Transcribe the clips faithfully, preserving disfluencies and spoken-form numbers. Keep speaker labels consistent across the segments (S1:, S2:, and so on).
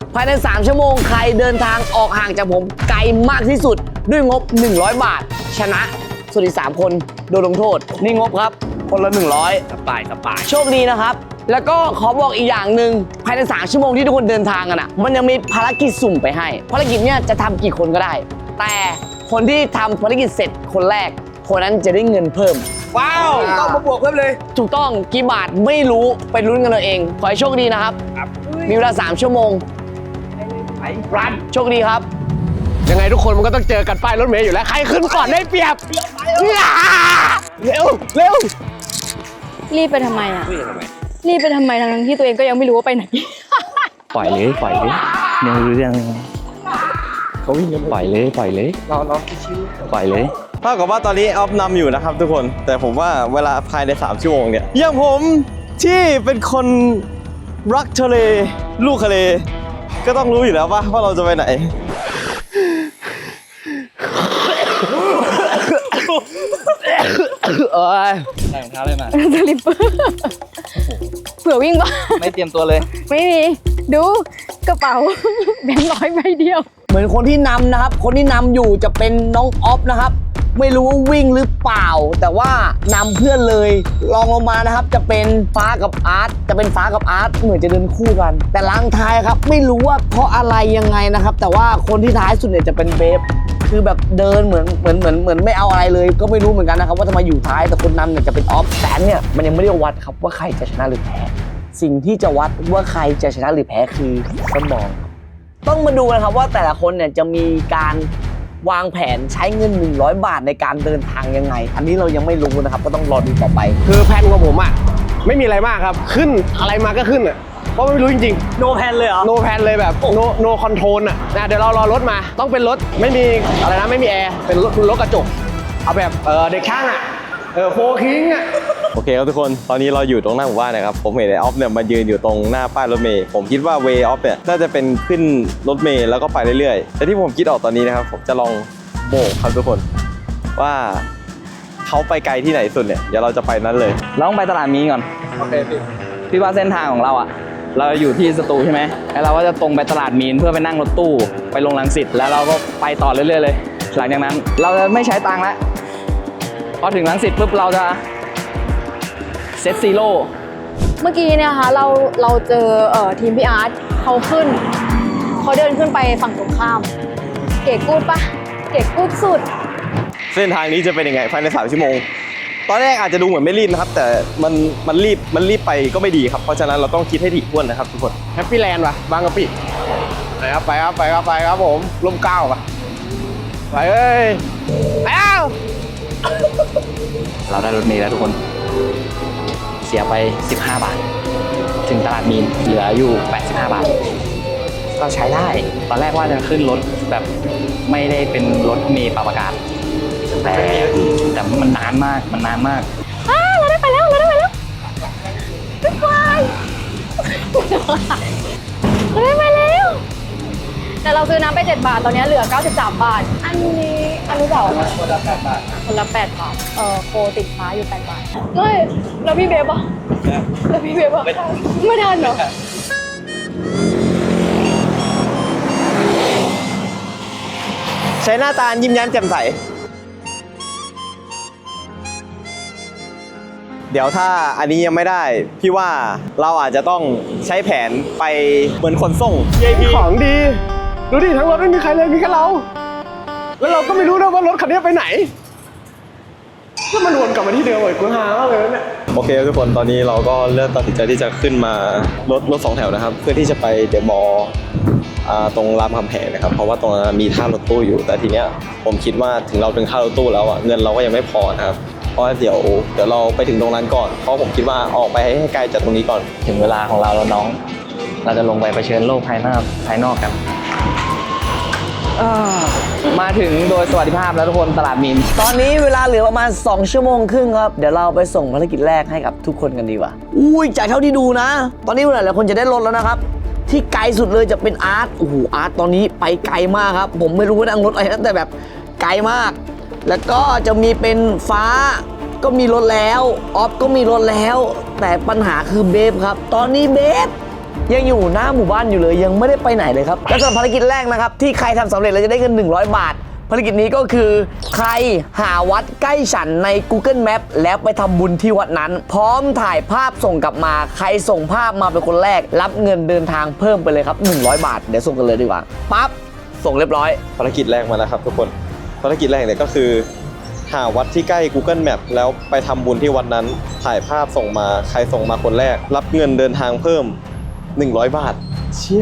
S1: ภายในสามชั่วโมงใครเดินทางออกห่างจากผมไกลมากที่สุดด้วยงบหนึ่งร้อยบาทชนะส่วนอีกสามคนโดนลงโทษนี่งบครับคนละหนึ่งร้อยสบายสบายโชคดีนะครับแล้วก็ขอบอกอีกอย่างหนึ่งภายในสามชั่วโมงที่ทุกคนเดินทางกันอ่ะมันยังมีภารกิจสุ่มไปให้ภารกิจเนี้ยจะทำกี่คนก็ได้แต่คนที่ทำภารกิจเสร็จคนแรกคนนั้นจะได้เงินเพิ่มว้าวต้องมาบวกเพิ่มเลยถูกต้องกี่บาทไม่รู้ไปลุ้นกันเราเองขอให้โชคดีนะครับมีเวลาสามชั่วโมงไปรันโชคดีครับ
S2: ยังไงทุกคนมันก็ต้องเจอกันป้ายรถเมล์อยู่แล้วใครขึ้นก่อนได้เปรียบเร็วเร็ว
S3: รีบไปทำไมอ่ะรีบไปทำไมทั้งที่ตัวเองก็ยังไม่รู้ว่าไปไหน
S4: ปล่อยเลยปล่อยเลยยังรู้เรื่อง
S2: เขาวิ่งกัน
S4: ปล่อยเลยปล่อยเลย
S2: เราเราชิว
S4: ปล่อยเลย
S5: เท่ากับว่าตอนนี้ออฟนำอยู่นะครับทุกคนแต่ผมว่าเวลาภายในสามชั่วโมงเนี่ยอย่างผมที่เป็นคนรักทะเลลูกทะเลก็ต้องรู้อยู่แล้วว่าว่าเราจะไปไหน
S4: เอ้ยใส่รองเท้าเลยมา
S3: สลิปเปอร์เผื่อวิ่งบ้า
S4: ไม่เตรียมตัวเลย
S3: ไม่มีดูกระเป๋าแบงค์ร้อยใบเดียว
S1: เหมือนคนที่นำนะครับคนที่นำอยู่จะเป็นน้องออฟนะครับไม่รู้ว่าวิ่งหรือเปล่าแต่ว่านำเพื่อนเลยลองลงมานะครับจะเป็นฟ้ากับอาร์ตจะเป็นฟ้ากับอาร์ตเหมือนจะเดินคู่กันแต่ลังท้ายครับไม่รู้ว่าเพราะอะไรยังไงนะครับแต่ว่าคนที่ท้ายสุดเนี่ยจะเป็นเบฟคือแบบเดินเหมือนเหมือนเหมือนเหมือนไม่เอาอะไรเลยก็ไม่รู้เหมือนกันนะครับว่าทำไมอยู่ท้ายแต่คนนำเนี่ยจะเป็นออฟแต่เนี่ยมันยังไม่ได้วัดครับว่าใครจะชนะหรือแพ้สิ่งที่จะวัดว่าใครจะชนะหรือแพ้คือสมองต้องมาดูนะครับว่าแต่ละคนเนี่ยจะมีการวางแผนใช้เงินหนึ่งร้อยบาทในการเดินทางยังไงอันนี้เรายังไม่รู้นะครับก็ต้องรอดูต่อไป
S2: คือแผนของผมอ่ะไม่มีอะไรมากครับขึ้นอะไรมาก็ขึ้นอ่ะเพราะไม่รู้จริง
S1: ๆ no plan เลยเหรอ
S2: no plan เลยแบบ no no control อ่ะนะเดี๋ยวเรารอรถมาต้องเป็นรถไม่มีอะไรนะไม่มีแอร์เป็นรถรถกระจกเอาแบบเออเด็กช่างอ่ะเออโฟคิงอ่ะ
S5: โอเคครับทุกคนตอนนี้เราอยู่ตรงหน้าหมู่บ้านนะครับผมเห็นไอ้ออฟเนี่ยมายืนอยู่ตรงหน้าป้ายรถเมล์ผมคิดว่าเวย์ออฟเนี่ยน่าจะเป็นขึ้นรถเมล์แล้วก็ไปเรื่อยๆแต่ที่ผมคิดออกตอนนี้นะครับผมจะลองโบกครับทุกคนว่าเขาไปไกลที่ไหนสุดเนี่ยเดี๋ยวเราจะไปนั้นเลย
S4: เราต้องไปตลาดมีก่อน
S2: โอเคพี่
S4: พี่ว่าเส้นทางของเราอ่ะเราอยู่ที่สตูใช่ไหมแล้วเราก็จะตรงไปตลาดมีนเพื่อไปนั่งรถตู้ไปลงรังสิตแล้วเราก็ไปต่อเรื่อยๆเลยหลังจากนั้นเราจะไม่ใช้ตังค์แล้วพอถึงรังสิตปุ๊บเราจะเซตซีโร่
S3: เมื่อกี้เนี่ยค่ะเราเราเจอเอ่อทีมพี่อาร์ตเขาขึ้นเขาเดินขึ้นไปฝั่งตรงข้ามเก๋กูดปะเก๋กูดสุด
S5: เส้นทางนี้จะเป็นยังไงภายในสามชั่วโมงตอนแรกอาจจะดูเหมือนไม่รีบนะครับแต่มันมันรีบมันรีบไปก็ไม่ดีครับเพราะฉะนั้นเราต้องคิดให้ถี่ถ้วนนะครับทุกคน
S2: แฮปปี้แลนด์ว่ะบางกะปิไปครับไปครับไปครับไปครับผมร่มเก้าป่ะไปเอ้ยไปเอ้า
S4: เราได้รถเมล์แล้วทุกคนเสียไปสิบห้าบาทถึงตลาดมีนเหลืออยู่แปดสิบห้าบาทก็ใช้ได้ตอนแรกว่าจะขึ้นรถแบบไม่ได้เป็นรถเมล์ปรับอากาศแต่แต่มันนานมากมันนานมาก
S3: อ้าเราได้ไปแล้วเราได้ไปแล้วบ๊ายบายเราได้ไปแล้วแต่เราซื้อน้ำไปเจ็ดบาทตอนนี้เหลือเก้าสิบสามบาทอันนี้อันนี้เปล่าคนละแปดบาทคนละแปดบาทเออโคติดฟ้าอยู่แปดบาทเฮ้ยแล้วพี่เบฟอ่ะแล้วพี่เบฟอ่ะไม่ทันเหรอ
S5: ใช้หน้าตายิ้มแย้มแจ่มใสเดี๋ยวถ้าอันนี้ยังไม่ได้พี่ว่าเราอาจจะต้องใช้แผนไปเหมือนขนส่ง
S2: ของดีดูดิทั้งรถไม่มีใครเลยมีแค่เราแล้วเราก็ไม่รู้นะว่ารถคันนี้ไปไหนก็มันวนกลับมาที่เดิมเลยกูหามากเลยเนี่ย
S5: โอเคทุกคนตอนนี้เราก็เริ่มตัดสินใจที่จะขึ้นมารถรถสองแถวนะครับเพื่อที่จะไปเดอะมอลล์ตรงรามคำแหงนะครับเพราะว่าตรงนั้นมีท่ารถตู้อยู่แต่ทีเนี้ยผมคิดว่าถึงเราถึงท่ารถตู้แล้วอ่ะเงินเราก็ยังไม่พอนะครับเพราะเดี๋ยวเดี๋ยวเราไปถึงตรงนั้นก่อนเพราะผมคิดว่าออกไปให้ไกลจากตรงนี้ก่อน
S4: ถึงเวลาของเราแล้วน้องเราจะลงไปเผชิญโลกภายนอกภายนอกกันมาถึงโดยสวัสดิภาพแล้วทุกคนตลาดมีน
S1: ตอนนี้เวลาเหลือประมาณสองชั่วโมงครึ่งครับเดี๋ยวเราไปส่งภารกิจแรกให้กับทุกคนกันดีกว่าอุ้ยจากเท่าที่ดูนะตอนนี้หลายๆคนจะได้รถแล้วนะครับที่ไกลสุดเลยจะเป็นอาร์ตโอ้โหอาร์ตตอนนี้ไปไกลมากครับผมไม่รู้ว่านั่งรถอะไรนะแต่แบบไกลมากแล้วก็จะมีเป็นฟ้าก็มีรถแล้วออฟก็มีรถแล้วแต่ปัญหาคือเบฟครับตอนนี้เบฟยังอยู่หน้าหมู่บ้านอยู่เลยยังไม่ได้ไปไหนเลยครับและสำหรับภารกิจแรกนะครับที่ใครทำสำเร็จเราจะได้เงินหนึ่งร้อยบาทภารกิจนี้ก็คือใครหาวัดใกล้ฉันใน Google Map แล้วไปทำบุญที่วัดนั้น พร้อมถ่ายภาพส่งกลับมาใครส่งภาพมาเป็นคนแรกรับเงินเดินทางเพิ่มไปเลยครับหนึ่งร้อยบาทเดี๋ยวส่งกันเลยดีกว่าปั๊บส่งเรียบร้อย
S5: ภารกิจแรกมาแล้วครับทุกคนภารกิจแรกเนี่ยก็คือหาวัดที่ใกล้ Google Map แล้วไปทำบุญที่วัดนั้นถ่ายภาพส่งมาใครส่งมาคนแรกรับเงินเดินทางเพิ่มหนึ่งร้อยบาทเชี่ย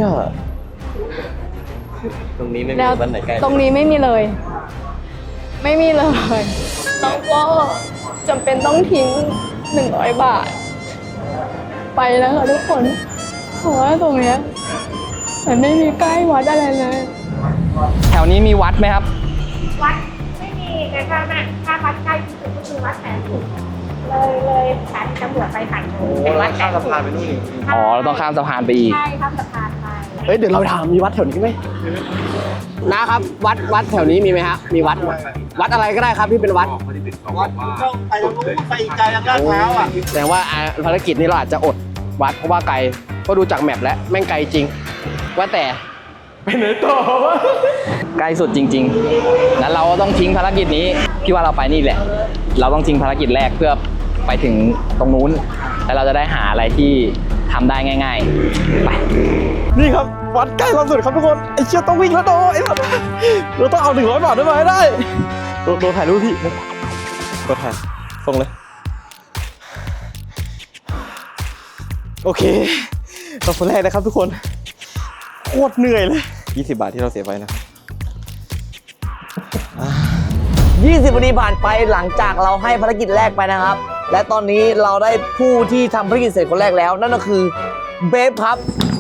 S5: ตรงนี้ไม่มี
S3: แล้ว
S5: วัดไหนใกล้
S3: ตรงนี้ไม่มีเลย ไม่มีเลยน้องก็จำเป็นต้องทิ้งหนึ่งร้อยบาท ไปแล้วค่ะทุกคนเพราะว่าตรงเนี้ยมันไม่มีใกล้วัดอะไรเลย
S4: แถวนี้มีวัดไหมครับ
S6: วัดไม่มีแต่ถ้าแม่ถ้าวัดใกล้ที่สุดก็คือวัดแสนสุขเลยเลยสถานีตำรวจไปฝั่งนู้นเป็นวัดแสนสุข
S4: อ๋อเราต้องข้ามสะพานไปอีก
S6: ใช่ข้ามสะพานไป
S2: เฮ้ยเดี๋ยวเราถามมีวัดแถวนี้ไหมนะครับวัดวัดแถวนี้มีไหมฮะมีวัดไหมวัดอะไรก็ได้ครับที่เป็นวัดวัดต้องไปตรงนู้นไปไกลทางด้านเท้าอ่ะแสดงว่าอ่าภารกิจนี้เราอาจจะอดวัดเพราะว่าไกลก็ดูจากแมปแล้วแม่งไกลจริง ว่าแต่ไปไหนต่อวะ
S4: ใกล้สุดจริงๆงั้นเราก็ต้องทิ้งภารกิจนี้พี่ว่าเราไปนี่แหละ เราต้องทิ้งภารกิจแรกเพื่อไปถึงตรงนู้นแล้วเราจะได้หาอะไรที่ทำได้ง่ายๆไป
S5: นี่ครับวัดใกล้เราสุดครับทุกคนไอ้เชี่ยต้องวิ่งแล้วโดไอ้สัสเราต้องเอาหนึ่งร้อยบาทได้มาให้ได้โดโดถ่ายรูปพี่โดถ่ายส่งเลยโอเคเราคนแรกนะครับทุกคนโคตรเหนื่อยเลยยี่สิบบาทที่เราเสียไปนะครับ
S1: ยี่สิบนาทีผ่านไปหลังจากเราให้ภารกิจแรกไปนะครับ และตอนนี้เราได้ผู้ที่ทำภารกิจเสร็จคนแรกแล้ว นั่นก็คือเบฟครับ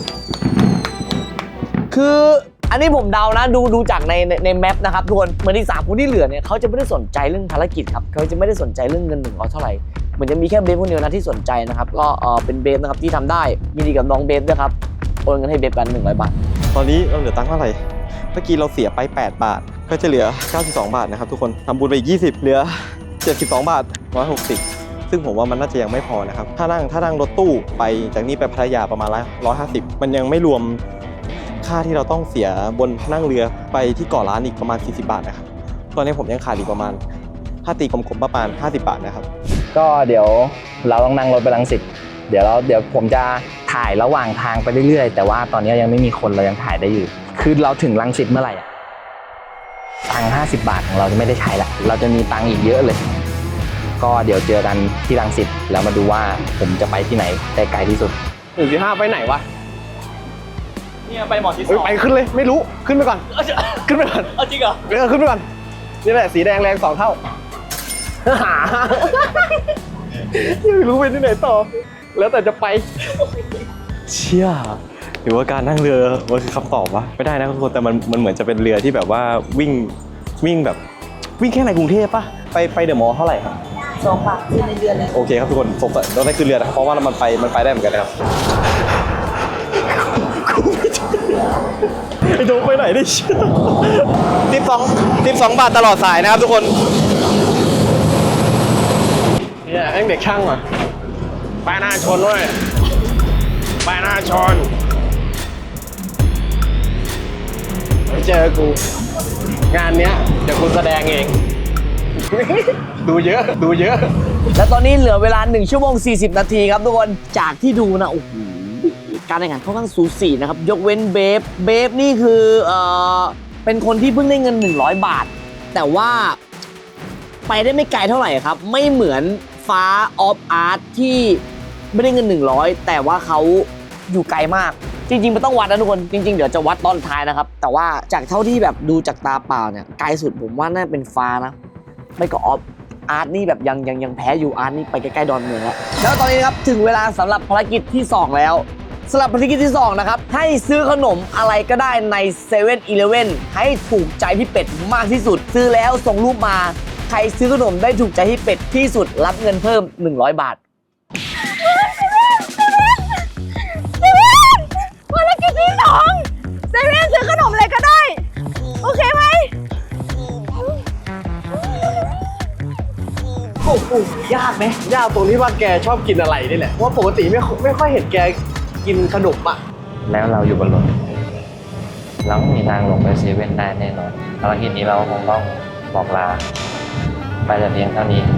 S1: คืออันนี้ผมเดานะดูดูจากในในในแมปนะครับทุกคนเหมือนอีกสามคนที่เหลือเนี่ยเขาจะไม่ได้สนใจเรื่องภารกิจครับเขาจะไม่ได้สนใจเรื่องเงินหนึ่งร้อยเท่าไหร่เหมือนจะมีแค่เบฟคนเดียวนะที่สนใจนะครับก็เออเป็นเบฟนะครับที่ทำได้ยินดีกับน้องเบฟด้วยครับโอนเงินให้เบฟกันหนึ่งร้อยบาท
S5: ตอนนี้เราเหลือตังค์เท่าไหร่เมื่อกี้เราเสียไปแปดบาทก็จะเหลือเก้าสิบสองบาทนะครับทุกคนทำบุญไปอีกยี่สิบเหลือเจ็ดสิบสองบาทหนึ่งร้อยหกสิบซึ่งผมว่ามันน่าจะยังไม่พอนะครับถ้านั่งถ้านั่งรถตู้ไปจากนี้ไปพัทยาประมาณร้อยห้าสิบมันยังไม่รวมค่าที่เราต้องเสียบนนั่งเรือไปที่เกาะล้านอีกประมาณสี่สิบบาทนะครับตอนนี้ผมยังขาดอีกประมาณถ้าตีกลมๆประมาณห้าสิบบาทนะครับ
S4: ก็เดี๋ยวเราต้องนั่งรถไปรังสิตเดี๋ยวเราเดี๋ยวผมจะถ่ายระหว่างทางไปเรื่อยๆแต่ว่าตอนนี้ยังไม่มีคนเรายังถ่ายได้อยู่คือเราถึงรังสิตเมื่อไหร่อะตังค์ห้าสิบบาทของเราจะไม่ได้ใช้ละเราจะมีตังค์อีกเยอะเลยก็เดี๋ยวเจอกันที่รังสิตแล้วมาดูว่าผมจะไปที่ไหนได้ไกลที่สุด
S2: หนึ่งจุดห้าไปไหนวะ
S4: เนี่ยไปหมอที่ส
S2: เอ้ย
S4: อง
S2: ไปขึ้นเลยไม่รู้ขึ้นไปก่อนขึ้นไปก่อน
S4: จริงเหรอ
S2: เออขึ้นไปก่อนนี่แหละสีแดงแรงสองเท่าหายังไม่รู้ไปที่ไหนต่อ แล้วแต่จะไป
S5: เชี่ยหรือว่าการนั่งเรือมันคือคำตอบวะไม่ได้นะทุกคนแต่มันมันเหมือนจะเป็นเรือที่แบบว่าวิ่งวิ่งแบบวิ่งแค่ในกรุงเทพปะไปไปเดอะมอลล์เท่าไหร่ครับ
S1: สองบาทคือในเดือนเลย
S5: โอเคครับทุกคนสงสัยเราได้ขึ้นเรือนะเพราะว่ามันไปมันไปได้เหมือนกันนะครับไอ้โดไปไหนได้เชี่ยสิบสองสิบสองบาทตลอดสายนะครับทุกคน
S2: เนี่ยไอ้เด็กช่างว่ะป้ายหน้าชนด้วยป้ายหน้าชนไปเจอกู งานเนี้ยเดี๋ยวกูแสดงเอง ดูเยอะดูเยอะ
S1: และตอนนี้เหลือเวลาหนึ่งชั่วโมงสี่สิบนาทีครับทุกคนจากที่ดูนะโอ้โหการแข่งขันค่อนข้างสูสีนะครับยกเว้นเบฟเบฟนี่คือเอ่อเป็นคนที่เพิ่งได้เงินหนึ่งร้อยบาทแต่ว่าไปได้ไม่ไกลเท่าไหร่ครับไม่เหมือนฟ้าออฟอาร์ตที่ไม่ได้เงินหนึ่งร้อยแต่ว่าเขาอยู่ไกลมากจริงๆมันต้องวัดนะทุกคนจริงๆเดี๋ยวจะวัดตอนท้ายนะครับแต่ว่าจากเท่าที่แบบดูจากตาเปล่าเนี่ยไกลสุดผมว่าน่าเป็นฟ้านะไม่ก็ออฟอาร์ตนี่แบบยังยังยังแพ้อยู่อาร์ตนี่ไปใกล้ๆดอนเมืองแล้วแล้วตอนนี้นะครับถึงเวลาสำหรับภารกิจที่สองแล้วสำหรับภารกิจที่สองนะครับให้ซื้อขนมอะไรก็ได้ในเซเว่นอีเลฟเว่นให้ถูกใจพี่เป็ดมากที่สุดซื้อแล้วส่งรูปมาใครซื้อขนมได้ถูกใจพี่เป็ดที่สุดรับเงินเพิ่มหนึ่งร้อยบาท
S3: ภารกิจที่สองเซเว่นซื้อขนมอะไรก็ได้ โอเคไหม
S1: โอ้โหยากไหม
S2: ยากตรงที่ว่าแกชอบกินอะไรนี่แหละเพราะว่าปกติไม่ไม่ค่อยเห็นแกกินขนมอ่ะ
S4: แล้วเราอยู่บนรถเราไม่มีทางลงไปเซเว่นได้แน่นอนภารกิจนี้เราคงต้องบอกลาไปแต่เพียงเท่านี้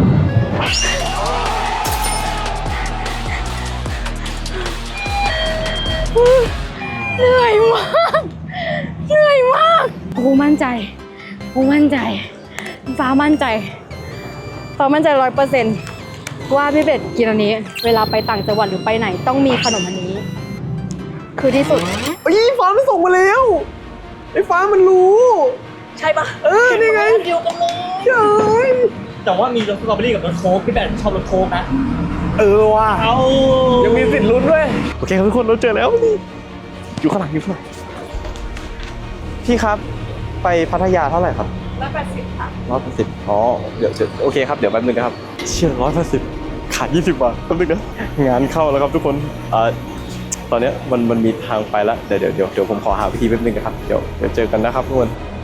S3: เหนื่อยมาก เหนื่อยมากกูมั่นใจกูมั่นใจ ฟ้ามั่นใจ ฟ้ามั่นใจร้อยเปอร์เซ็นต์ว่าพี่เป็ดกินอันนี้ เวลาไปต่างจังหวัดหรือไปไหนต้องมีขนมอันนี้ คือที่สุด
S2: เฮ้ยฟ้ามันส่งมาแล้วไอ้ฟ้ามันรู้
S1: ใช่ปะ
S2: เออนี่ไง
S1: เดียวกันเลย
S2: เฮ้ย
S7: แต่ว่ามีรสสตรอเบอรี่กับรสโค้กพี่แบนชอบรสโค้กนะ
S2: เออว่ะ
S7: เอา
S2: ยังมีสิทธิ์ลุ้นด้วยโอเคครับทุกคนเราเจอแล้วอยู่ข้างหลังอยู่ข้างหลัง
S5: พี่ครับไปพัทยาเท่าไหร่ครับ
S6: ร้อยแปดสิบค่ะ
S5: ร้อยแปดสิบอ๋อเดี๋ยวเดี๋ยวโอเคครับเดี๋ยวแป๊บนึงนะครับเชี่ยร้อยแปดสิบขาดยี่สิบบาทแป๊บนึงนะงานเข้าแล้วครับทุกคนอ่าตอนเนี้ยมันมันมีทางไปแล้วเดี๋ยวเดี๋ยวเดี๋ยวเดี๋ยวผมขอหาวิธีแป๊บนึงนะครับเดี๋ยวเดี๋ยวเจอกันนะครับทุกคน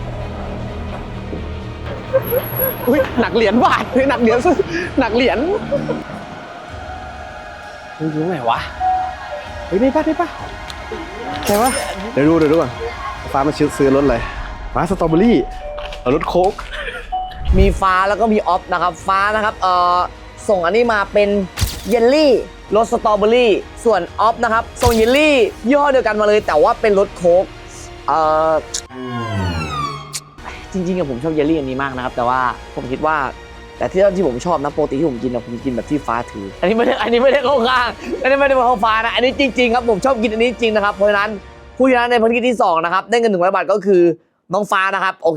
S2: อุ้ยหนักเหรียญบาทเฮ้ยหนักเหรียญหนักเหรียญเฮ้ยรู้ไหนวะเฮ้ยนี่ป่ะนี่ป่ะใช่ปะเดี๋ยวดูเดี๋ยวดูก่อนฟ้ามาซื้อซื้อรถอะไรฟ้าสตรอเบอรี่เอารถโค้ก
S1: มีฟ้าแล้วก็มีออฟนะครับฟ้านะครับเอ่อส่งอันนี้มาเป็นเยลลี่รสสตรอเบอรี่ส่วนออฟนะครับส่งเยลลี่ยี่ห้อเดียวกันมาเลยแต่ว่าเป็นรสโค้กเอ่อจริงๆอะผมชอบเยลลี่อันนี้มากนะครับแต่ว่าผมคิดว่าแต่ที่ที่ผมชอบนะปกติที่ผมกินอะผมกินแบบที่ฟ้าถืออันนี้ไม่ได้อันนี้ไม่ได้เข้าข้างอันนี้ไม่ได้มาเข้าฟ้านะอันนี้จริงๆครับผมชอบกินอันนี้จริงนะครับเพราะฉะนั้นผู้ชนะในภารกิจที่สองนะครับได้เงินหนึ่งร้อยบาทก็คือน้องฟ้านะครับโอเค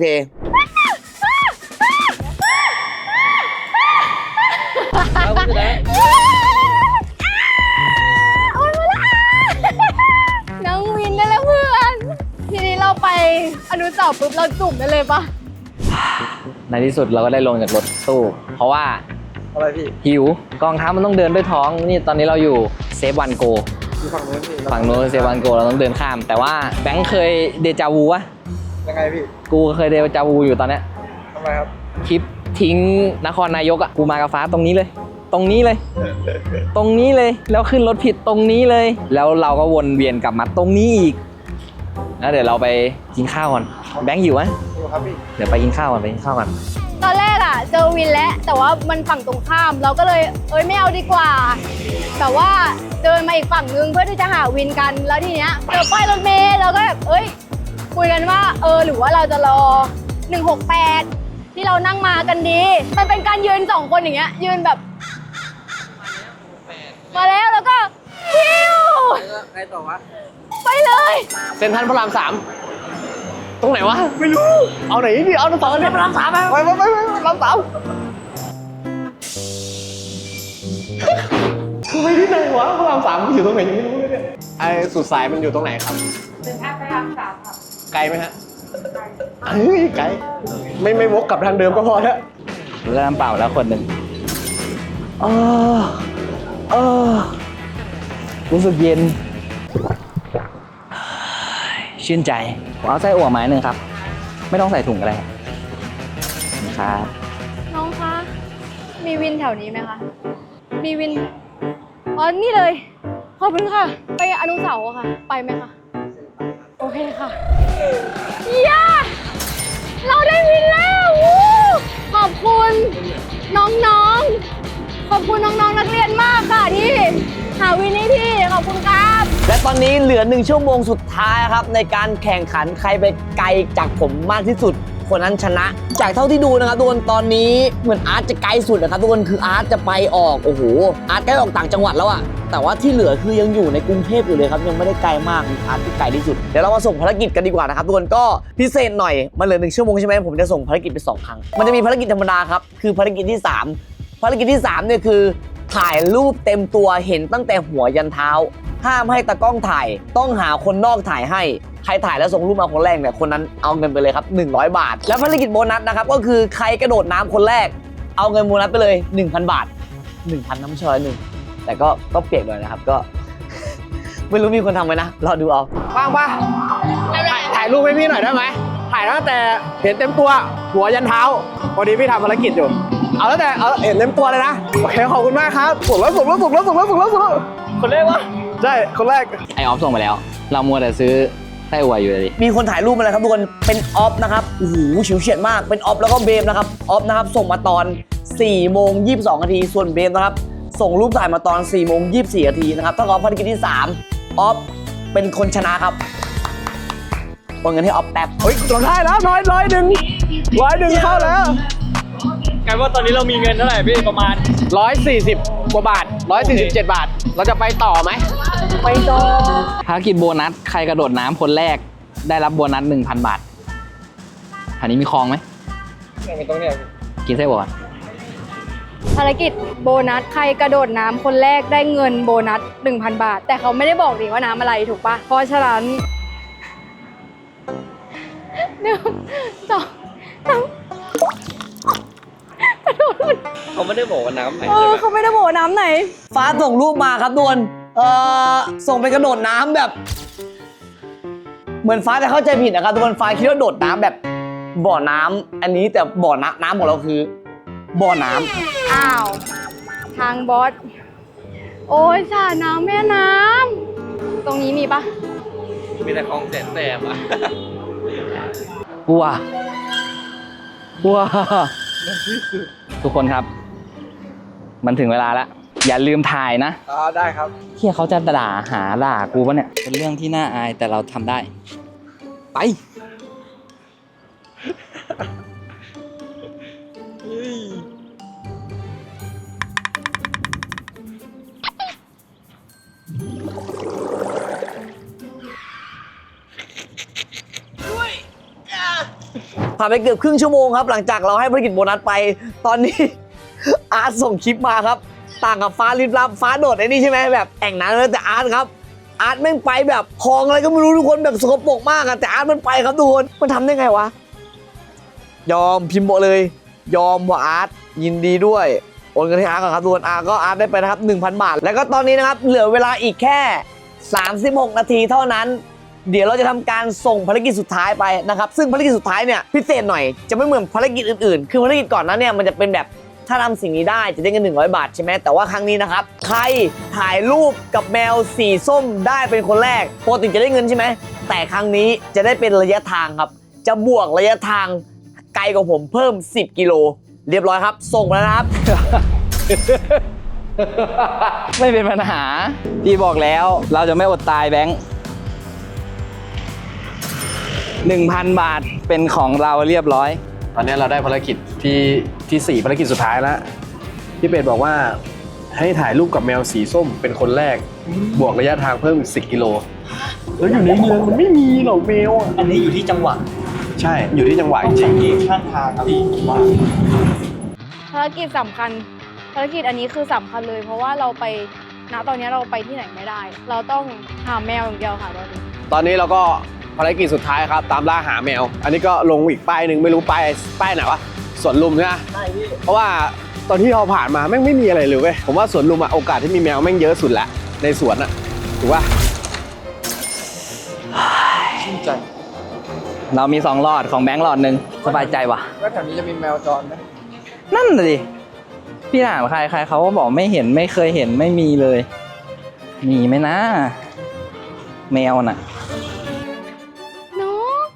S3: น้องวินได้แล้วเพื่อน ทีนี้เราไปอนุสาวรีย์ปุ๊บเราจุ่มได้เลยปะ
S4: ในที่สุดเราก็ได้ลงจากรถตู้ เพราะว่า
S2: อะไรพี่
S4: หิวกองทัพมันต้องเดินด้วยท้องนี่ตอนนี้เราอยู่เซฟวันโก
S2: อยู่ฝั่งนู้นพี่
S4: ฝั่งโน้นเซฟวันโกเราต้องเดินข้าม แต่ว่าแบงค์เคยเดจาวูวะ
S2: ยังไงพี่
S4: กูเคยเดจาวูอยู่ตอนเนี้ย
S2: ทำไมครับ
S4: คลิปทิ้งนครนายกอ่ะกูมากับฟ้าตรงนี้เลย ตรงนี้เลย ตรงนี้เลยแล้วขึ้นรถผิดตรงนี้เลย แล้วเราก็วนเวียนกลับมาตรงนี้อีกแล้วเดี๋ยวเราไปกินข้าวก่อนแบงค์หิวไหม
S2: อยู่ครับพี่
S4: เดี๋ยวไปกินข้าวก่อนไปกินข้าวก่อน
S3: ตอนแรกอะเจอวินแล้วแต่ว่ามันฝั่งตรงข้ามเราก็เลยเอ้ยไม่เอาดีกว่า แต่ว่าเดินมาอีกฝั่งนึงเพื่อที่จะหาวินกันแล้วทีเนี้ยเจอป้ายรถเมล์เราก็แบบเอ้ยคุยกันว่าเออหรือว่าเราจะรอหนึ่งหกแปดที่เรานั่งมากันดีมันเป็นการยืนสองคนอย่างเงี้ยยืนแบบมาแล้วแล้วก็ฮิว
S2: ใครต่อวะ
S3: ไปเลย
S2: เซ็นทรัลพระรามสามตรงไหนวะไม่รู้เอาไหนดิเอาตรงต่อเนี่ยพระรามสามไปไปไปไปพระรามสามคือไปที่ไหนวะพระรามสามอยู่ตรงไหนยังไม่รู้เลยเนี่ยไอ้สุดสายมันอยู่ตรงไหนครับ
S6: เป็นท่าพระรามสามค่ะ
S2: ไกลไหมฮะเฮ้ยไกลไม่ไม่วกกลับทางเดิมก็พอแล้ว
S4: เรือน้ำเปล่าแล้วคนหนึ่ง
S1: เออเออ
S4: รู้สึกเย็นชื่นใจผมเอาไส้อั่วไม้หนึ่งครับ ไม่ต้องใส่ถุงก็ได้ครับ
S3: น้องคะมีวินแถวนี้ไหมคะมีวินอ๋อนี่เลยขอบคุณค่ะไปอนุสาวรีย์ค่ะไปไหมคะโอเคค่ะย่าเราได้วินแล้ววู้ขอบคุณน้องๆขอบคุณน้องๆนักเรียนมากค่ะที่หาวินให้พี่ขอบคุณครับ
S1: และตอนนี้เหลือหนึ่งชั่วโมงสุดท้ายครับในการแข่งขันใครไปไกลจากผมมากที่สุดคนนั้นชนะ จากเท่าที่ดูนะครับทุกคนตอนนี้เหมือนอาร์ตจะไกลสุดนะครับทุกคนคืออาร์ตจะไปออกโอ้โหอาร์ตใกล้ออกต่างจังหวัดแล้วอะแต่ว่าที่เหลือคือยังอยู่ในกรุงเทพอยู่เลยครับยังไม่ได้ไกลมากมีอาร์ตที่ไกลที่สุดเดี๋ยวเรามาส่งภารกิจกันดีกว่านะครับทุกคนก็พิเศษหน่อยมันเหลือหนึ่งชั่วโมงใช่ไหมผมจะส่งภารกิจไปสองครั้งมันจะมีภารกิจธรรมดาครับคือภารกิจที่สามภารกิจที่สามเนี่ยคือถ่ายรูปเต็มตัวเห็นตั้งแต่หัวยันเท้าห้ามให้ตากล้องถ่ายต้องหาคนนอกถ่ายให้ใครถ่ายแล้วส่งรูปมาคนแรกเนี่ยคนนั้นเอาเงินไปเลยครับหนึ่งร้อยบาทแล้วภารกิจโบนัสนะครับก็คือใครกระโดดน้ำคนแรกเอาเงินโบนัสไปเลย หนึ่งพัน บาท หนึ่งพัน น้ำชอยหนึ่งแต่ก็ก็เปียกหน่อยนะครับก็ ไม่รู้มีคนทำไหมนะรอดูเอา
S2: ว่างปะถ่ายถ่ายรูปให้พี่หน่อยได้ไหมถ่ายตั้งแต่เห็นเต็มตัวหัวยันเท้าพอดีพี่ทำภารกิจอยู่เอาตั้งแต่เอาเห็นเต็มตัวเลยนะโอเคขอบคุณมากครับส่งแล้วส่งแล้วส่งแล้วส่งแล้วส่งแล้วส่งแล้ว
S7: คนแรกวะ
S2: ใช่คนแรก
S4: ไอออฟส่งไปแล้ว เรามัวแต่ซื้อไส้อั่วอยู่เลยดิ
S1: มีคนถ่ายรูปมาแล้วครับทุกคนเป็นออฟนะครับโอ้โหฉิวเฉียดมากเป็นออฟแล้วก็เบมนะครับออฟนะครับส่งมาตอนสี่โมงยี่สิบสองนาทีส่วนเบมนะครับส่งรูปถ่ายมาตอนสี่โมงยี่สิบสี่นาทีนะครับถ้ากับภารกิจที่สามออฟเป็นคนชนะครับโอนเงินให้ออฟแป๊บ
S2: เฮ้ยเราได้แล้วร้อยร้อยหนึ่งร้อยหนึ่งเข้าแล้ว
S7: กลายว่าตอนนี้เรามีเงินเท่าไหร่พี่ประมาณ
S2: ร้อยสี่สิบกว่าบาทร้อยสี่สิบเจ็ดบาท เราจะไปต่อไหมไปต่อ
S4: ภารกิจโบนัสใครกระโดดน้ำคนแรกได้รับโบนัส หนึ่งพัน บาทอันนี้มีคลองไหมไม่ต้องเนี่ยกินไส้อั่ว
S3: ภารกิจโบนัสใครกระโดดน้ำคนแรกได้เงินโบนัส หนึ่งพัน บาท แต่เขาไม่ได้บอกดิว่าน้ำอะไรถูกปะเพราะฉะนั้นหนึ่งสองสามกระโดด
S5: เขาไม่ได้บอกว่าน้ำไหน
S3: เออเขาไม่ได้บอกว่าน้ำไหน
S1: ฟ้าส่งรูปมาครับทุกคนเอ่อส่งไปกระโดดน้ำแบบ เหมือนฟ้าจะเข้าใจผิดนะครับทุกคนฟ้าคิดว่าโดดน้ำแบบบ่อน้ำอันนี้แต่บ่อน้ำน้ำของเราคือบ่อน้ำ
S3: อ้าว ทางบอส โอ้ยสระน้ำแม่น้ำตรงนี้มีปะ
S5: มีแต่คลองแสนแสบอ่ะ
S4: วัววัวทุกคนครับ มันถึงเวลาแล้ว อย่าลืมถ่ายนะ
S2: อ๋อได้ครับ
S4: เฮียเขาจะด่าหาด่ากูปะเนี่ย เป็นเรื่องที่น่าอายแต่เราทำได้ ไป
S1: ผ่านไปเกือบครึ่งชั่วโมงครับหลังจากเราให้ภารกิจโบนัสไป ตอนนี้ อาร์ตส่งคลิปมาครับ ต่างกับฟ้าลิบลับฟ้าโดดไอ้นี่ใช่ไหมแบบแอ่งน้ำแต่อาร์ตครับอาร์ตแม่งไปแบบคลองอะไรก็ไม่รู้ทุกคนแบบสกปรกมากอะแต่อาร์ตมันไปครับทุกคนมันทำได้ไงวะยอมพิมพ์บอกเลย ยอมว่าอาร์ตยินดีด้วยโอนเงินให้อาร์ตก่อนครับทุกคนอาร์ตก็อาร์ตได้ไปนะครับ หนึ่งพัน บาท แล้วก็ตอนนี้นะครับเหลือเวลาอีกแค่สามสิบหกนาทีเท่านั้นเดี๋ยวเราจะทำการส่งภารกิจสุดท้ายไปนะครับซึ่งภารกิจสุดท้ายเนี่ยพิเศษหน่อยจะไม่เหมือนภารกิจอื่นๆคือภารกิจก่อนนั้นเนี่ยมันจะเป็นแบบถ้าทำสิ่งนี้ได้จะได้เงินหนึ่งร้อยบาทใช่ไหมแต่ว่าครั้งนี้นะครับใครถ่ายรูปกับแมวสีส้มได้เป็นคนแรกปกติจะได้เงินใช่ไหมแต่ครั้งนี้จะได้เป็นระยะทางครับจะบวกระยะทางไกลกว่าผมเพิ่มสิบกิโลเรียบร้อยครับส่งไปแล้วนะครับ
S4: ไม่เป็นปัญหา พี่บอกแล้วเราจะไม่อดตายแบงค์หนึ่งพัน บาทเป็นของเราเรียบร้อย
S2: ตอนนี้เราได้ภารกิจที่ที่สี่ภารกิจสุดท้ายแล้วพี่เป็ดบอกว่าให้ถ่ายรูปกับแมวสีส้มเป็นคนแรกบวกระยะทางเพิ่มอีกสิบกิโลแล้วอยู่ในเมืองมันไม่มีหรอกแมวอ่ะ
S7: อันนี้อยู่ที่จังหวัด
S2: ใช่อยู่ที่จังหวัดจ
S7: สั
S2: ริ
S7: ง
S2: ง
S7: เกตข้างทางพี่ว่า
S3: ภารกิจสำคัญ ภารกิจอันนี้คือสำคัญเลย เพราะว่าเราไปณตอนนี้เราไปที่ไหนไม่ได้ เราต้องหาแมวอย่างเดียวค่ะตอนนี้
S2: ตอนนี้เราก็ภารกิจสุดท้ายครับตามล่าหาแมว อันนี้ก็ลงอีกป้ายหนึ่งไม่รู้ป้ายป้ายไหนวะสวนลุมใช่ไหมใช่พี่เพราะว่าตอนที่เราผ่านมาแม่งไม่มีอะไรเลยเว้ยผมว่าสวนลุมอะโอกาสที่มีแมวแม่งเยอะสุดละในสวนอะถูกป่ะ
S4: เรามีสองหลอดของแบงค์หลอดหนึ่งสบายใจว่ะ
S2: ว่าแถวนี้จะมีแมวจรไหม
S4: นั่นเลยพี่ถามใครใครเขาก็บอกไม่เห็นไม่เคยเห็นไม่มีเลย มีไหมนะ แมวน่ะ
S3: น้อง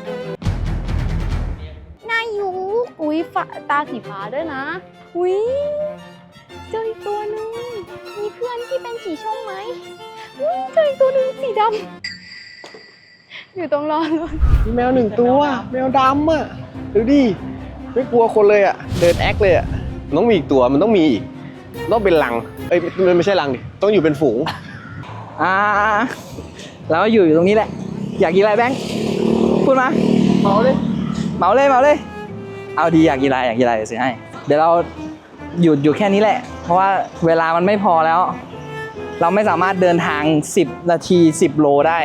S3: น่าอยู่อุ้ยฟ้าตาสีฟ้าด้วยนะ อุ้ยเจออีกตัวหนึงมีเพื่อนที่เป็นสีชมไหมอุ้ยเจออีกตัวหนึงสีดำอยู่ตรงรอนรถ
S2: มีแมวหนึ่งตัวแมวดำอะดูดิไม่กลัวคนเลยอะเดินแอคเลยอะมันต้องมีอีกตัวมันต้องมีอีกต้องเป็นลังเอ้ยมันไม่ใช่ลังดิต้องอยู่เป็นฝูง
S4: อ่าเราอยู่อยู่ตรงนี้แหละ อยากกินอะไรแบงค์พูดมาเหมาเลยเหมาเลยเหมาเลย เอาดีอยากกินอะไรอยากกินอะไรเดี๋ยวซื้อให้เดี๋ยวเราหยุดอยู่แค่นี้แหละ เพราะว่าเวลามันไม่พอแล้ว เราไม่สามารถเดินทางสิบนาทีสิบโลได้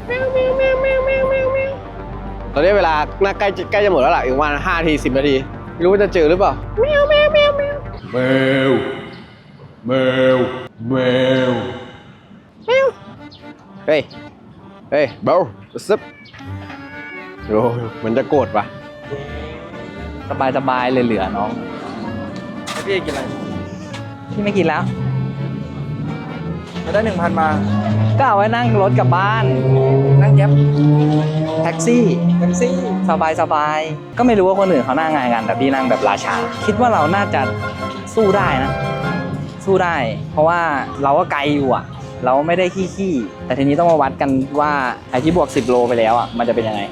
S2: ตอนนี้เวลาน่าใกล้ใกล้จะหมดแล้วล่ะอีกประมาณห้านาทีสิบนาทีไม่รู้ว่าจะเจอหรือเปล่าแมวแมวแมวแมวแมวแมวแมวแมวเฮ้ยเฮ้ยเบลซึบโอ้มันจะโกรธปะ
S4: สบายสบายเลยเหลือน้อง
S2: พี่กินอะไร
S4: พี่ไม่กินแล้วได้หนึ่งพันมา ก็เอาไว้นั่งรถกลับบ้าน นั่งแก๊ปแท็กซี่แท็กซี่สบายสบายก็ไม่รู้ว่าคนอื่นเขานั่งไงกันแต่พี่นั่งแบบราชา คิดว่าเราน่าจะสู้ได้นะ สู้ได้ เพราะว่าเราก็ไกลอยู่อ่ะ เราไม่ได้ขี้ๆแต่ทีนี้ต้องมาวัดกันว่าไอ้ที่บวกสิบโลไปแล้วอ่ะมันจะเป็นยังไง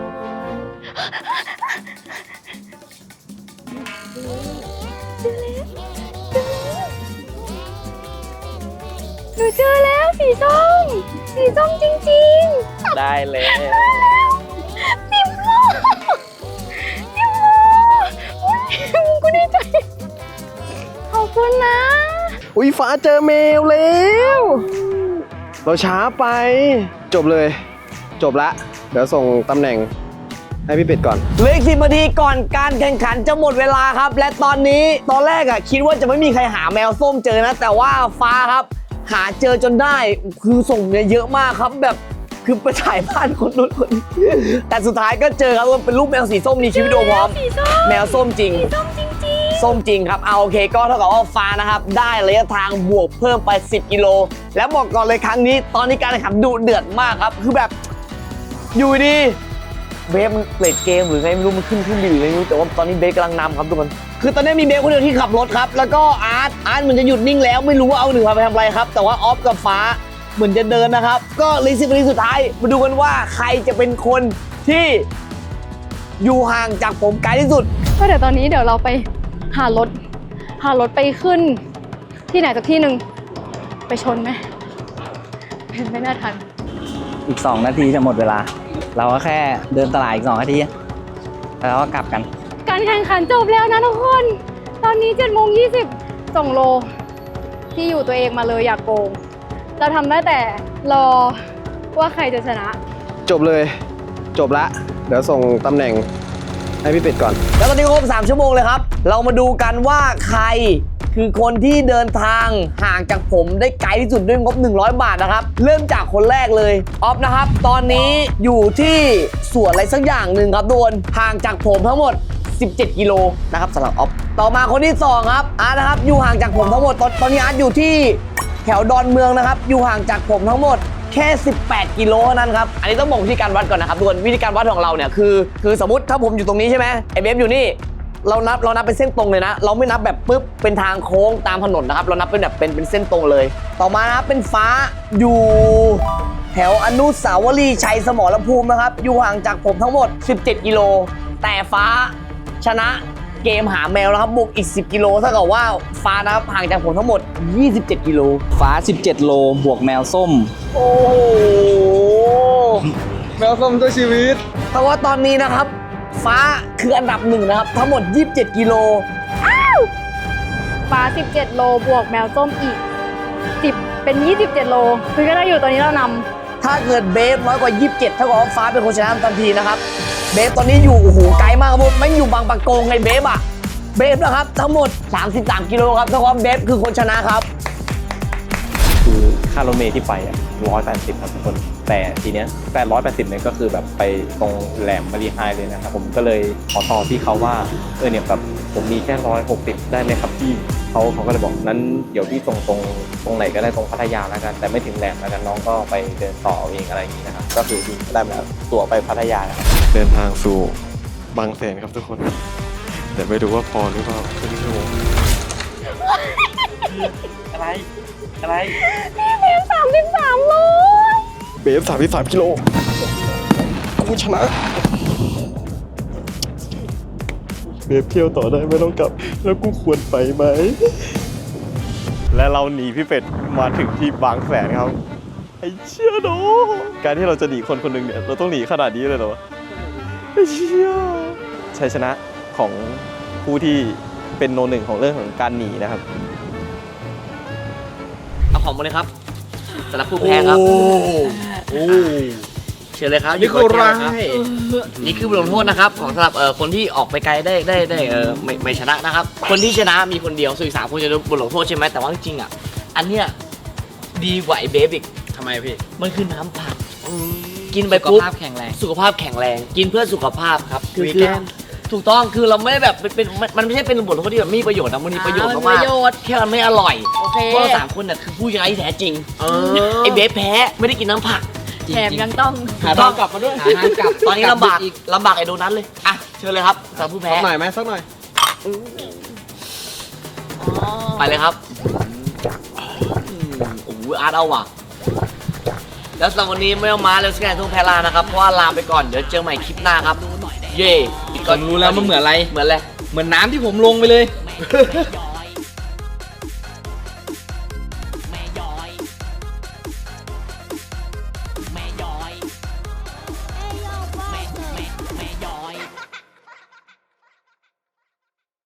S3: หนูเจอแล้วสีส้มสีส้มจริงๆ
S4: ได้เลย
S3: พิมพ์โลพิมพ์โลอุ๊ยกูดีใจ ขอบคุณนะ
S2: อุ้ยฟ้าเจอแมวแล้ว เราช้าไป จบเลย จบละ เดี๋ยวส่งตำแหน่งให้พี่เป็ดก่อน
S1: เหลืออีกสิบนาทีก่อนการแข่งขันจะหมดเวลาครับ และตอนนี้ตอนแรกอะคิดว่าจะไม่มีใครหาแมวส้มเจอนะ แต่ว่าฟ้าครับ หาเจอจนได้คือส่งเนี่ยเยอะมากครับแบบคือไปถ่ายบ้านคนนู้นคนนี้แต่สุดท้ายก็เจอครับว่าเป็นรูปแมวสีส้มมีชีวิตโดพร้อม
S3: สีส้ม
S1: แมวส้มจริง
S3: สีส้มจริง
S1: ส้มจริงครับเอาโอเคก็เท่ากับว่าฟ้านะครับได้ระยะทางบวกเพิ่มไปสิบกิโลแล้วบอกก่อนเลยครั้งนี้ตอนนี้การแข่งขันดุเดือดมากครับคือแบบอยู่ดีเบฟมันเปลี่ยนเกมหรือไงไม่รู้มันขึ้นขึ้นดีหรือไงไม่รู้แต่ว่าตอนนี้เบฟกำลังนำครับทุกคนคือตอนนี้มีเบฟคนเดียวที่ขับรถครับแล้วก็อาร์ตอาร์ตเหมือนจะหยุดนิ่งแล้วไม่รู้ว่าเอาหนึ่งพาไปทำอะไรครับแต่ว่าออฟกับฟ้าเหมือนจะเดินนะครับก็เลยสิบนาทีสุดท้ายมาดูกันว่าใครจะเป็นคนที่อยู่ห่างจากผมไกลที่สุด
S3: ๆ ก็เดี๋ยวตอนนี้เดี๋ยวเราไปหารถ หารถไปขึ้น ที่ไหนสักที่หนึ่งไปชนไหมเป็นไม่น่าทัน
S4: อีกสองนาทีจะหมดเวลา เราก็แค่เดินตลาดอีกสองนาทีแล้วก็กลับกัน
S3: การแข่งขันจบแล้วนะทุกคน ตอนนี้เจ็ดโมงยี่สิบส่งโล ที่อยู่ตัวเองมาเลยอย่ากโกง เราทำได้แต่รอว่าใครจะชนะ
S2: จบเลย จบละ เดี๋ยวส่งตำแหน่งให้พี่เป็ดก่อน
S1: แล้วตอนนี้ครบสามชั่วโมงเลยครับ เรามาดูกันว่าใครคือคนที่เดินทางห่างจากผมได้ไกลที่สุดด้วยงบหนึ่งร้อยบาทนะครับ เริ่มจากคนแรกเลยออฟนะครับ ตอนนี้อยู่ที่สวนอะไรสักอย่างหนึ่งครับทุกคนห่างจากผมทั้งหมดสิบเจ็ดกิโลนะครับสำหรับออฟต่อมาคนที่สองครับอาร์ตนะครับอยู่ห่างจากผมทั้งหมดตอนตอนนี้อาร์ตอยู่ที่แถวดอนเมืองนะครับอยู่ห่างจากผมทั้งหมดแค่สิบแปดกิโลเท่านั้นครับอันนี้ต้องบอกวิธีการวัดก่อนนะครับทุกคนวิธีการวัดของเราเนี่ยคือคือสมมติถ้าผมอยู่ตรงนี้ใช่ไหมไอเบฟอยู่นี่เรานับเรานับเป็นเส้นตรงเลยนะเราไม่นับแบบปุ๊บเป็นทางโค้งตามถนนนะครับเรานับเป็นแบบเป็นเป็นเส้นตรงเลย ต่อมานะครับเป็นฟ้าอยู่แถวอนุสาวรีย์ชัยสมรภูมินะครับอยู่ห่างจากผมทั้งหมดสิบเจ็ดกิโลแต่ฟ้าชนะเกมหาแมวนะครับบวกอีกสิบกิโลเท่ากับว่าฟ้านะครับห่างจากผมทั้งหมดยี่สิบเจ็ดกิโล
S4: ฟ้าสิบเจ็ดโลบวกแมวส้ม
S1: โอ้โห
S7: แมวส้มตัวชีวิต
S1: เพราะว่าตอนนี้นะครับ ฟ้าคืออันดับหนึ่งนะครับ ทั้งหมดยี่สิบเจ็ดกิโล
S3: ฟ้าสิบเจ็ดโลบวกแมวส้มอีกสิบเป็นยี่สิบเจ็ดโลคือก็ได้อยู่ตอนนี้เรานำ
S1: ถ้าเกิดเบฟน้อยกว่ายี่สิบเจ็ดเท่ากับว่าฟ้าเป็นคนชนะทันทีนะครับ เบฟตอนนี้อยู่โอ้โหไกลมากครับผมไม่อยู่บางปะโกงไงเบฟอะเบฟนะครับทั้งหมดสามสิบสามกิโลครับเท่ากับว่าเบฟคือคนชนะครับ
S5: คือค่ารถเมล์ที่ไปอ่ะร้อยแปดสิบครับทุกคนแต่ทีเนี้ยแปดร้อยแปดสิบเนี่ยก็คือแบบไปตรงแหลมมารีไฮเลยนะครับผมก็เลยขอต่อพี่เขาว่าเออเนี่ยแบบผมมีแค่ร้อยหกสิบได้ไหมครับพี่เขาเขาก็เลยบอกนั้นเดี๋ยวพี่ส่งตรงตรงไหนก็ได้ตรงพัทยาแล้วกันแต่ไม่ถึงแหลมแล้วกันน้องก็ไปเดินต่อเอาเองอะไรอย่างนี้นะครับก็คือพี่ได้มาตั๋วไปพัทยานะครับเดินทางสู่บางแสนครับทุกคนแต่ไม่รู้ว่าพอหรือเปล่าครึ่งชั่วโมง
S4: อะไร อะไร
S3: เบฟสามสิบสามโล
S5: เบฟสามสิบสามกิโลกูชนะเบฟเที่ยวต่อได้ไม่ต้องกลับแล้วกูควรไปไหมและเราหนีพี่เป็ดมาถึงที่บางแสนครับไอ้เชี่ยโนการที่เราจะหนีคนคนหนึ่งเนี่ยเราต้องหนีขนาดนี้เลยเหรอไอ้เชี่ยชัยชนะของผู้ที่เป็นโนหนึ่งของเรื่องของการหนีนะครับ
S1: เอาของมาเลยครับสำหรับผู้แพ้ครับโอ้เชิญเลยครับนี่คือร้ายนี่คือบทลงโทษนะครับของสำหรับเอ่อคนที่ออกไปไกลได้ได้ได้เออไม่ไม่ชนะนะครับคนที่ชนะมีคนเดียวส่วนอีกสามคนจะโดนบทลงโทษใช่ไหมแต่ว่าจริงๆอ่ะอันเนี้ยดีกว่าไอ้เบฟอีก
S7: ทำไมพี่
S1: มันคือน้ำผักกินไปปุ๊บ
S4: สุขภาพแข็งแรง
S1: สุขภาพแข็งแรงกินเพื่อสุขภาพครับคือ
S7: วี
S1: คือ
S7: แกน
S1: ถูกต้องคือเราไม่ได้แบบเป็นเป็นมันมันไม่ใช่เป็นบทลงโทษที่แบบมีประโยชน์นะมันมีประโยชน์
S3: อ่ามันมี
S1: มาก
S3: ประโยชน์
S1: ๆแค่มันไม่อร่อย
S3: โอเค
S1: เพราะเราสามคนน่ะคือผู้ชนะที่แท้จริง
S2: เออ
S1: ไอ้เบฟแพ้ไม่ได้กินน้ำผัก
S3: แถมยังต้อง
S2: หาทางกลับมาด้วย
S1: หาทางกลับตอนนี้ลำบากลำบากไอ้โดนัทเลยอ่ะเชิญเลยครับสำหรับผู้แพ้
S2: สักหน่อยไหมสักหน่อย
S1: ไปเลยครับอืมโอ้โหอาร์ตเอาว่ะแล้วสำหรับวันนี้ไม่ต้องมาเลยสแกนทุ่งแพลานะครับเพราะว่าลาไปก่อนเดี๋ยวเจอใหม่คลิปหน้าครับเย่
S7: ผมรู้แล้วมันเหมือนอะไร
S1: เหมือนอะไร
S7: เหมือนน้ำที่ผมลงไปเลย